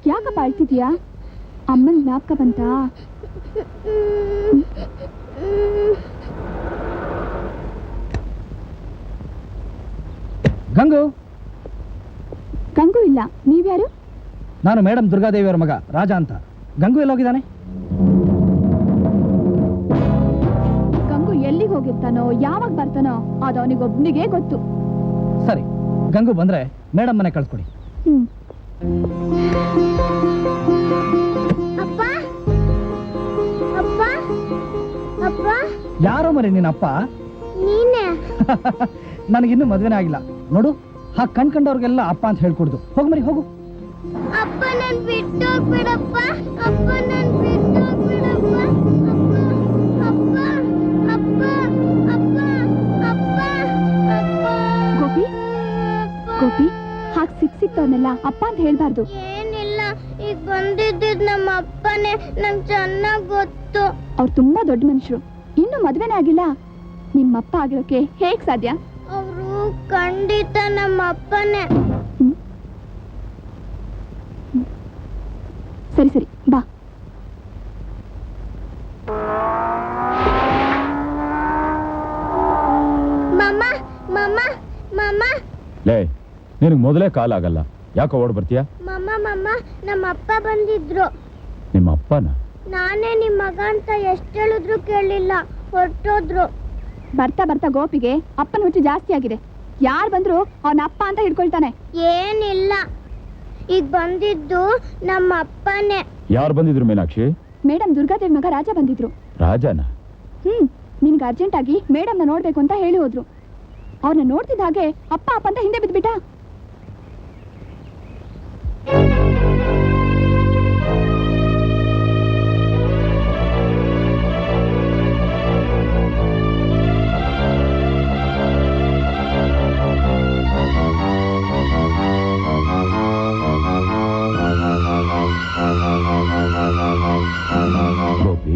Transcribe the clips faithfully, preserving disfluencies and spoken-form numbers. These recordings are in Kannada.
ಯಾಕಪ್ಪ ಅಳ್ತಿದ್ಯಾ? ಅಮ್ಮನ ಜ್ಞಾಪಕ ಬಂತಾ? ಗಂಗು ಗಂಗು ಇಲ್ಲ. ನೀವ್ಯಾರು? ನಾನು ಮೇಡಮ್ ದುರ್ಗಾದೇವಿಯವರ ಮಗ ರಾಜ ಅಂತ. ಗಂಗು ಎಲ್ಲೋಗಿದ್ದಾನೆ? ಗಂಗು ಎಲ್ಲಿಗೆ ಹೋಗಿರ್ತಾನೋ ಯಾವಾಗ ಬರ್ತಾನೋ ಅದು ಅವನಿಗೊಬ್ಬನಿಗೆ ಗೊತ್ತು. ಸರಿ, ಗಂಗು ಬಂದ್ರೆ ಮೇಡಮ್ ಮನೆ ಕಳ್ಸ್ಕೊಡಿ. ಹ್ಮ್. ಯಾರೋ ಮರಿ ನಿನ್ನಪ್ಪ? ನನಗಿನ್ನೂ ಮದ್ವೆನೇ ಆಗಿಲ್ಲ ನೋಡು. ಹಾ ಕಣ್ ಕಂಡವ್ರಿಗೆಲ್ಲ ಅಪ್ಪ ಅಂತ ಹೇಳ್ಕೊಡ್ದು. ಹೋಗ್ ಮರಿ ಹೋಗು. ಅಪ್ಪ ನನ್ ಬಿಟ್ಟು ಹೋಗ್ಬಿಡಪ್ಪ. ಅಪ್ಪ ನನ್ ಬಿಟ್ಟು ಹೋಗ್ಬಿಡಪ್ಪ. ಅಪ್ಪ ಅಪ್ಪ ಅಪ್ಪ ಅಪ್ಪ ಅಪ್ಪ. ಗೋಪಿ ಗೋಪಿ ಹಾಗೆ ಸಿಕ್ ಸಿಕ್ತವನ್ನೆಲ್ಲ ಅಪ್ಪ ಅಂತ ಹೇಳ್ಬಾರ್ದು. ಏನಿಲ್ಲ, ಈಗ ಬಂದಿದ್ದಿದ್ ನಮ್ಮ ಅಪ್ಪನೇ. ನಂಗೆ ಚೆನ್ನಾಗ್ ಗೊತ್ತು. ಅವ್ರು ತುಂಬಾ ದೊಡ್ಡ ಮನುಷ್ಯರು. ಇನ್ನು ಮದ್ವೆನೇ ಆಗಿಲ್ಲ. ನಿಮ್ಮಪ್ಪ ಆಗಿರೋಕೆ ಹೇಗ್ ಸಾಧ್ಯ? ಅವರು ಖಂಡಿತ ನಮ್ಮ ಅಪ್ಪನೇ. ಸರಿ ಸರಿ ಬಾ. ಮಮ್ಮ ಮಮ್ಮ ಮಮ್ಮ. ಲೇ, ನಿನಗೆ ಮೊದಲೇ ಕಾಲ್ ಆಗಲ್ಲ, ಯಾಕೋ ಓಡ್ ಬರ್ತೀಯಾ? ಮಮ್ಮ ಮಮ್ಮ, ನಮ್ಮ ಅಪ್ಪ ಬಂದಿದ್ರು. ನಿಮ್ಮ ಅಪ್ಪನ? ನಾನೇ ನಿಮ್ಮ ಮಗ ಅಂತ ಎಷ್ಟು ಹೇಳಿದ್ರು ಕೇಳಲಿಲ್ಲ, ಹೊರಟೋದ್ರು. ಬರ್ತಾ ಬರ್ತಾ ಗೋಪಿಗೆ ಅಪ್ಪನ ಹುಚ್ಚು ಜಾಸ್ತಿ ಆಗಿದೆ. ಯಾರು ಬಂದ್ರು ಅವನ ಅಪ್ಪ ಅಂತ ಹಿಡ್ಕೊಳ್ತಾನೆ. ಏನಿಲ್ಲ, ಈಗ ಬಂದಿದ್ದು ನಮ್ಮ ಅಪ್ಪನೇ. ಯಾರು ಬಂದಿದ್ರು ಮೀನಾಕ್ಷಿ? ಮೇಡಮ್ ದುರ್ಗಾದೇವಿ ಮಗ ರಾಜ ಬಂದಿದ್ರು. ರಾಜನ? ಹ್ಮ್, ನಿನ್ಗೆ ಅರ್ಜೆಂಟ್ ಆಗಿ ಮೇಡಮ್ನ ನೋಡ್ಬೇಕು ಅಂತ ಹೇಳಿ ಹೋದ್ರು. ಅವ್ರನ್ನ ನೋಡ್ತಿದ್ದ ಹಾಗೆ ಅಪ್ಪ ಅಪ್ಪ ಅಂತ ಹಿಂದೆ ಬಿದ್ಬಿಟ್ಟ. ಗೋಪಿ,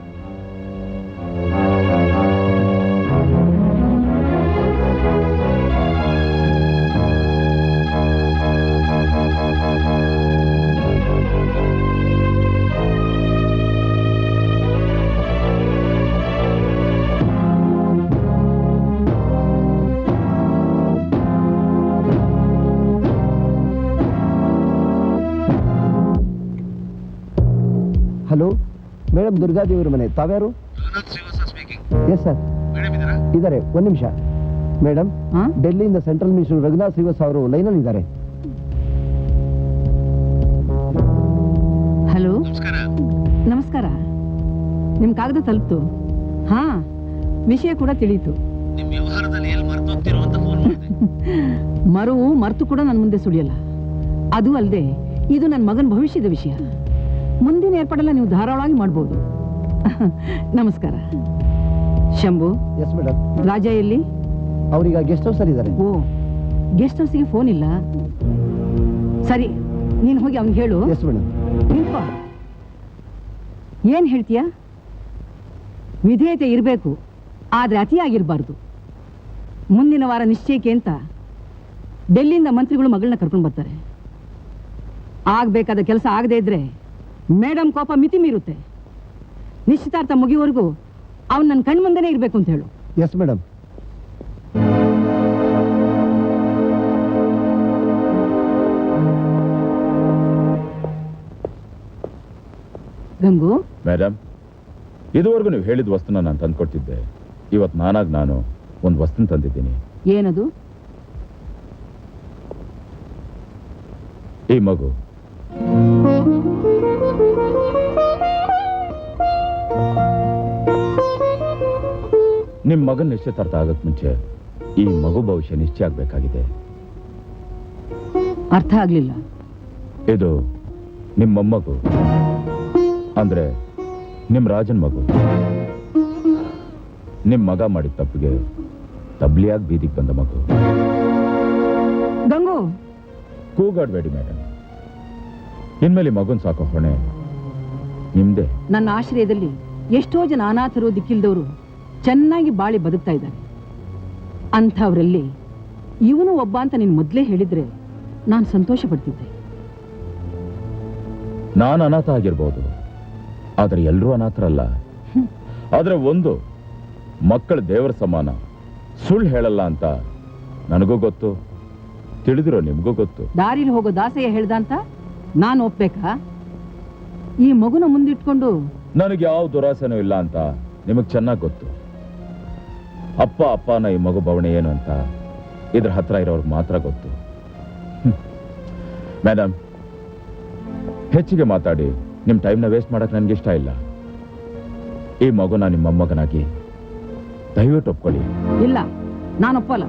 ಹಲೋ, ಮೇಡಮ್ ದುರ್ಗಾದೇವಿಯವರ ಮನೆ. ತಾವ್ಯಾರು? ಎಸ್ ಸರ್, ಇದ್ದಾರೆ. ಒಂದು ನಿಮಿಷ ಮೇಡಮ್. ಡೆಲ್ಲಿಯಿಂದ ಸೆಂಟ್ರಲ್ ಮಿನಿಸ್ಟರ್ ರಘುನಾಥ್ ಶ್ರೀವಾಸ್ ಅವರು ಲೈನಲ್ಲಿ ಇದ್ದಾರೆ. ಹಲೋ, ನಮಸ್ಕಾರ. ನಿಮ್ ಕಾಗದ ತಲುಪ್ತು? ಹಾ, ವಿಷಯ ಕೂಡ ತಿಳಿಯಿತು. ಮರುವು ಮರ್ತು ಕೂಡ ನನ್ನ ಮುಂದೆ ಸುಳಿಯಲ್ಲ. ಅದು ಅಲ್ಲದೆ ಇದು ನನ್ನ ಮಗನ ಭವಿಷ್ಯದ ವಿಷಯ. ಮುಂದಿನ ಏರ್ಪಾಡೆಲ್ಲ ನೀವು ಧಾರಾಳವಾಗಿ ಮಾಡ್ಬೋದು. ನಮಸ್ಕಾರ. ಶಂಭು. Yes madam. ರಾಜ ಎಲ್ಲಿ? ಅವ್ರೀಗ ಗೆಸ್ಟ್ ಹೌಸ್ ಅಲ್ಲಿ ಇದ್ದಾರೆ. ಓ, ಗೆಸ್ಟ್ ಹೌಸ್ಗೆ ಫೋನ್ ಇಲ್ಲ. ಸರಿ, ನೀನು ಹೋಗಿ ಅವ್ನಿಗೆ ಹೇಳು. Yes madam. ನಿಂತ್ಕೋ. ಏನ್ ಹೇಳ್ತೀಯ? ವಿಧೇಯತೆ ಇರಬೇಕು, ಆದ್ರೆ ಅತಿಯಾಗಿರ್ಬಾರ್ದು. ಮುಂದಿನ ವಾರ ನಿಶ್ಚಯಕ್ಕೆ ಅಂತ ಡೆಲ್ಲಿಯಿಂದ ಮಂತ್ರಿಗಳು ಮಗಳನ್ನ ಕರ್ಕೊಂಡು ಬರ್ತಾರೆ. ಆಗ್ಬೇಕಾದ ಕೆಲಸ ಆಗದೆ ಇದ್ರೆ ಮೇಡಮ್ ಕೋಪ ಮಿತಿ ಮೀರುತ್ತೆ. ನಿಶ್ಚಿತಾರ್ಥ ಮುಗಿಯುವವರೆಗೂ ಅವನು ನನ್ನ ಕಣ್ಣು ಮುಂದೆನೇ ಇರಬೇಕು ಅಂತ ಹೇಳು. Yes madam. ಗಂಗು. ಮೇಡಮ್, ಇದುವರೆಗೂ ನೀವು ಹೇಳಿದ ವಸ್ತುನ ನಾನು ತಂದ್ಕೊಡ್ತಿದ್ದೆ. ಇವತ್ತು ನಾನಾಗಿ ನಾನು ಒಂದು ವಸ್ತುನ ತಂದಿದ್ದೀನಿ. ಏನದು? ಈ ಮಗು. ನಿಮ್ ಮಗನ ನಿಶ್ಚಿತಾರ್ಥ ಆಗಕ್ ಮುಂಚೆ ಈ ಮಗು ಭವಿಷ್ಯ ನಿಶ್ಚಯ ಆಗ್ಬೇಕಾಗಿದೆ. ಅರ್ಥ ಆಗ್ಲಿಲ್ಲ. ಇದು ನಿಮ್ಮ ಮೊಮ್ಮಗು, ಅಂದ್ರೆ ನಿಮ್ ರಾಜನ್ ಮಗು. ನಿಮ್ ಮಗ ಮಾಡಿದ ತಪ್ಪಿಗೆ ತಬ್ಲಿಯಾಗಿ ಬೀದಿಗೆ ಬಂದ ಮಗು. ಗಂಗು, ಕೂಗಾಡ್ಬೇಡಿ ಮೇಡಮ್. ಇನ್ಮೇಲೆ ಮಗುನ್ ಸಾಕೋ ಹೊಣೆ ನಿಮ್ದೆ. ನನ್ನ ಆಶ್ರಯದಲ್ಲಿ ಎಷ್ಟೋ ಜನ ಅನಾಥರು, ದಿಕ್ಕಿಲ್ದವರು ಚೆನ್ನಾಗಿ ಬಾಳಿ ಬದುಕ್ತಾ ಇದ್ದಾರೆ. ಅಂಥವರಲ್ಲಿ ಇವನು ಒಬ್ಬ ಅಂತ ನೀನು ಮೊದಲೇ ಹೇಳಿದ್ರೆ ನಾನು ಸಂತೋಷ ಪಡ್ತಿದ್ದೆ. ನಾನು ಅನಾಥ ಆಗಿರ್ಬೋದು, ಆದರೆ ಎಲ್ಲರೂ ಅನಾಥರಲ್ಲ. ಆದರೆ ಒಂದು, ಮಕ್ಕಳ ದೇವರ ಸಮಾನ, ಸುಳ್ಳು ಹೇಳಲ್ಲ ಅಂತ ನನಗೂ ಗೊತ್ತು, ತಿಳಿದಿರೋ ನಿಮಗೂ ಗೊತ್ತು. ದಾರಿಲಿ ಹೋಗೋ ದಾಸಯ್ಯ ಹೇಳ್ದ ಅಂತ ನಾನು ಒಪ್ಬೇಕಾ? ಈ ಮಗುನ ಮುಂದಿಟ್ಕೊಂಡು ನನಗೆ ಯಾವ ದುರಾಸೆನೂ ಇಲ್ಲ ಅಂತ ನಿಮಗೆ ಚೆನ್ನಾಗಿ ಗೊತ್ತು. ಅಪ್ಪ ಅಪ್ಪನ ಈ ಮಗು ಬವಣೆ ಏನು ಅಂತ ಇದ್ರ ಹತ್ರ ಇರೋರ್ಗೆ ಮಾತ್ರ ಗೊತ್ತು. ಮೇಡಮ್, ಹೆಚ್ಚಿಗೆ ಮಾತಾಡಿ ನಿಮ್ಮ ಟೈಮ್ನ ವೇಸ್ಟ್ ಮಾಡಕ್ಕೆ ನನಗೆ ಇಷ್ಟ ಇಲ್ಲ. ಈ ಮಗುನ ನಿಮ್ಮ ಮೊಮ್ಮಗನಾಗಿ ದಯವಿಟ್ಟು ಒಪ್ಕೊಳ್ಳಿ. ಇಲ್ಲ, ನಾನು ಒಪ್ಪಲ್ಲ.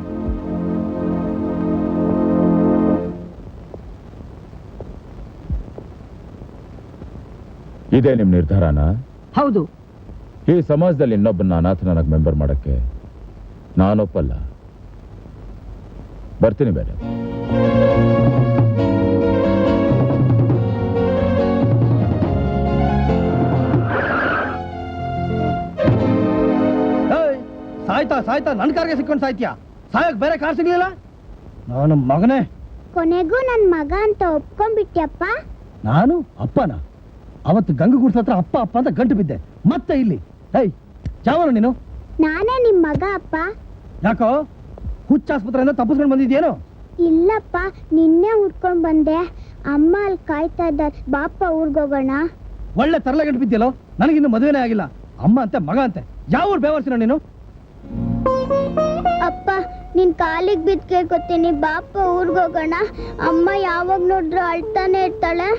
ಇದೇ ನಿಮ್ಮ ನಿರ್ಧಾರನಾ? ಹೌದು. ಈ ಸಮಾಜದಲ್ಲಿ ಇನ್ನೊಬ್ಬನ ಅನಾಥನಾಗಿ ಮೆಂಬರ್ ಮಾಡಕ್ಕೆ ನಾನೊಪ್ಪಲ್ಲ. ಬರ್ತೀನಿ ಬೇರೆ. ಸಾಯ್ತಾ ಸಾಯ್ತಾ ನನ್ನ ಕಾರ್ಗೆ ಸಿಕ್ಕೊಂಡು ಸಾಯ್ತೀಯಾ? ಸಾಯಕ್ ಬೇರೆ ಕಾರ್ ಸಿಗ್ಲಿಲ್ಲ? ನಾನು ಮಗನೇ. ಕೊನೆಗೂ ನನ್ ಮಗ ಅಂತ ಒಪ್ಕೊಂಡ್ಬಿಟ್ಯಪ್ಪ. ನಾನು ಅಪ್ಪನ? ಅವತ್ತು ಗಂಗು ಗುಡ್ಸ ಹತ್ರ ಅಪ್ಪ ಅಪ್ಪ ಅಂತ ಗಂಟು ಬಿದ್ದೆ, ಮತ್ತೆ ಇಲ್ಲಿ. ಏಯ್, ಚಾವನು ನೀನು? ನಾನೇ ನಿಮ್ ಮಗ ಅಪ್ಪ. ಯಾಕೋ ಹುಚ್ಚಾಸ್ಪತ್ರೆಯಿಂದ ತಪ್ಪಿಸ್ಕೊಂಡು ಬಂದಿದ್ಯೇನು? ಇಲ್ಲಪ್ಪ, ನಿನ್ನೆ ಹುಡ್ಕೊಂಡ್ ಬಂದೆ. ಅಮ್ಮ ಅಲ್ಲಿ ಕಾಯ್ತಾ ಇದ್ದಾರೆ, ಬಾಪ ಊರ್ಗೋಗೋಣ. ಒಳ್ಳೆ ತರಲೆ ಗಂಟು ಬಿದ್ದಿಯಲ್ಲೋ. ನನಗಿನ್ನು ಮದುವೆನೇ ಆಗಿಲ್ಲ. ಅಮ್ಮ ಅಂತೆ ಮಗ ಅಂತೆ. ಯಾವ ಊರು ಬೇವರ್ಸಿನ ನೀನು? ಅಪ್ಪ, ನಿನ್ ಕಾಲಿಗೆ ಬಿದ್ದು ಕೇಳ್ಕೊತೀನಿ, ಬಾಪ ಊರ್ಗೋಗೋಣ. ಅಮ್ಮ ಯಾವಾಗ ನೋಡ್ರು ಅಳ್ತಾನೆ ಇರ್ತಾಳೆ.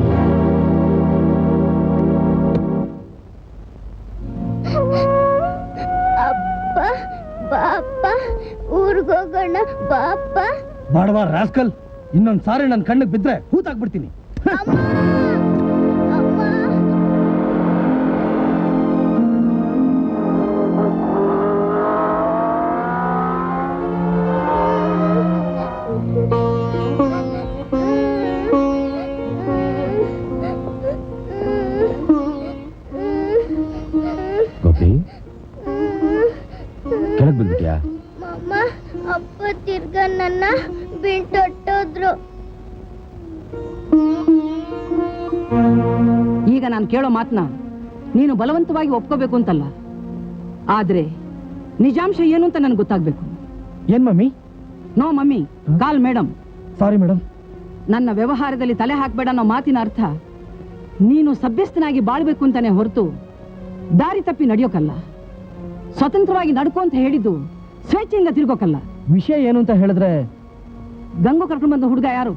ಅಪ್ಪ, ಬಾಪ ಊರ್ಗೋಗೋಣ, ಬಾಪ. ಬಾಡವಾ ರಾಸ್ಕಲ್, ಇನ್ನೊಂದ್ ಸಾರಿ ನನ್ನ ಕಣ್ಣಿಗೆ ಬಿದ್ರೆ ಹೂತಾಕ್ಬಿಡ್ತೀನಿ. ಅಮ್ಮ, ಅಮ್ಮ. ಗೋಪಿ, ಕೆಳಗೆ ಬಿದ್ಬಿಟ್ಯಾ? ಮಮ್ಮ, ಅಪ್ಪ ತಿರ್ಗ ನನ್ನ ಬಿಟ್ಟೊಟ್ಟೋದ್ರು. ಈಗ ನಾನು ಕೇಳೋ ಮಾತನ್ನ ನೀನು ಬಲವಂತವಾಗಿ ಒಪ್ಕೋಬೇಕು ಅಂತಲ್ಲ, ಆದ್ರೆ ನಿಜಾಂಶ ಏನು ಅಂತ ನನಗೆ ಗೊತ್ತಾಗ್ಬೇಕು. ಏನ್ mummy? No mummy, call madam. Sorry madam. ನನ್ನ ವ್ಯವಹಾರದಲ್ಲಿ ತಲೆ ಹಾಕ್ಬೇಡ ಅನ್ನೋ ಮಾತಿನ ಅರ್ಥ ನೀನು ಸಭ್ಯಸ್ಥನಾಗಿ ಬಾಳ್ಬೇಕು ಅಂತಾನೆ ಹೊರತು ದಾರಿ ತಪ್ಪಿ ನಡೆಯೋಕಲ್ಲ. ಸ್ವತಂತ್ರವಾಗಿ ನಡ್ಕೋ ಅಂತ ಹೇಳಿದ್ದು ಸ್ವೇಚ್ಛೆಯಿಂದ ತಿರ್ಗೋಕಲ್ಲ. ವಿಷಯ ಏನು ಅಂತ ಹೇಳಿದ್ರೆ? ಗಂಗು ಕರ್ಕೊಂಡು ಬಂದ ಹುಡುಗ ಯಾರು?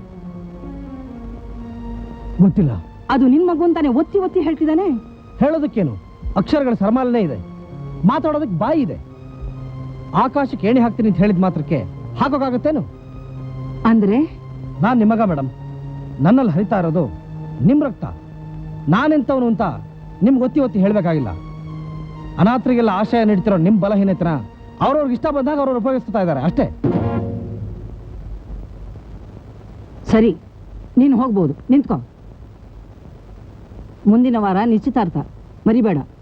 ಗೊತ್ತಿಲ್ಲ. ಅದು ನಿನ್ ಮಗು ಅಂತಾನೆ ಒತ್ತಿ ಒತ್ತಿ ಹೇಳ್ತಿದ್ದಾನೆ. ಹೇಳೋದಕ್ಕೇನು, ಅಕ್ಷರಗಳ ಸರಮಾಲನೆ ಇದೆ, ಮಾತಾಡೋದಕ್ಕೆ ಬಾಯಿ ಇದೆ. ಆಕಾಶಕ್ಕೆ ಏಣಿ ಹಾಕ್ತೀನಿ ಅಂತ ಹೇಳಿದ ಮಾತ್ರಕ್ಕೆ ಹಾಕೋಕ್ಕಾಗತ್ತೇನು? ಅಂದ್ರೆ ನಾನ್ ನಿಮಗ ಮೇಡಮ್, ನನ್ನಲ್ಲಿ ಹರಿತಾ ಇರೋದು ನಿಮ್ ರಕ್ತ. ನಾನೆಂತವನು ಅಂತ ನಿಮ್ಗೆ ಒತ್ತಿ ಒತ್ತಿ ಹೇಳ್ಬೇಕಾಗಿಲ್ಲ. ಅನಾಥರಿಗೆಲ್ಲ ಆಶ್ರಯ ನೀಡ್ತಿರೋ ನಿಮ್ ಬಲಹೀನತನ ಅವ್ರವ್ರಿಗೆ ಇಷ್ಟ ಬಂದಾಗ ಅವ್ರವ್ರು ಉಪಯೋಗಿಸ್ತಾ ಇದ್ದಾರೆ ಅಷ್ಟೇ. ಸರಿ, ನೀನು ಹೋಗ್ಬೋದು, ನಿಂತ್ಕೋ. ಮುಂದಿನ ವಾರ ನಿಶ್ಚಿತಾರ್ಥ, ಮರಿಬೇಡ.